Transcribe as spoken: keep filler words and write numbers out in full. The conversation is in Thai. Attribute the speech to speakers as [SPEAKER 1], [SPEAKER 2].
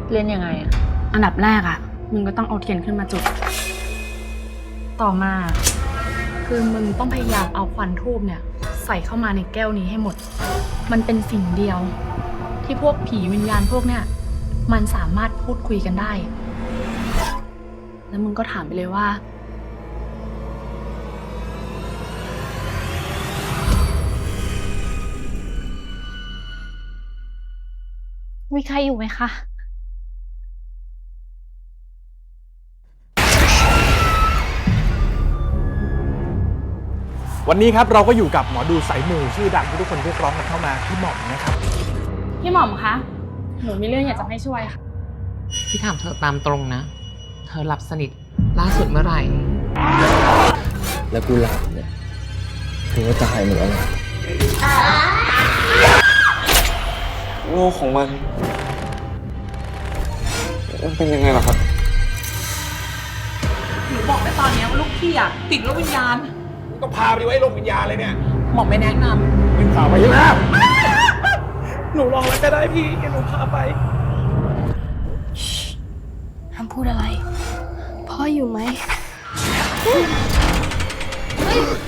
[SPEAKER 1] เล่นยังไงอะ
[SPEAKER 2] อันดับแรกอะมึงก็ต้องเอาเทียนขึ้นมาจุดต่อมาคือมึงต้องพยายามเอาควันธูปเนี่ยใส่เข้ามาในแก้วนี้ให้หมดมันเป็นสิ่งเดียวที่พวกผีวิญญาณพวกเนี่ยมันสามารถพูดคุยกันได้แล้วมึงก็ถามไปเลยว่ามีใครอยู่ไหมคะ
[SPEAKER 3] วันนี้ครับเราก็อยู่กับหมอดูสายมูชื่อดังที่ทุกคนเรียกร้องกันเข้ามาพี่หม่อมนะครับ
[SPEAKER 2] พี่หม่อมคะหนูมีเรื่องอยากจะให้ช่วยค่ะ
[SPEAKER 4] พี่ถามเธอตามตรงนะเธอหลับสนิทล่าสุดเมื่อไหร่
[SPEAKER 5] แล้วกูหลับเนี่ยกูก็ตายเหมือนกันโลกของมันมันเป็นยังไงล่ะครับ
[SPEAKER 4] หนูบอกไปตอนนี้ว่าลูกพี่อะติดโรควิญญาณ
[SPEAKER 3] ต้องพาไปไว้โรงวิญญาณเลยเนี่ย
[SPEAKER 4] หมอไม่แนะนำ
[SPEAKER 3] เป็นข่าวไปใช่ไหม
[SPEAKER 4] หนูลองแล้วก็ได้พี่แกหนูพาไป
[SPEAKER 2] ห้ามพูดอะไรพ่ออยู่ไหม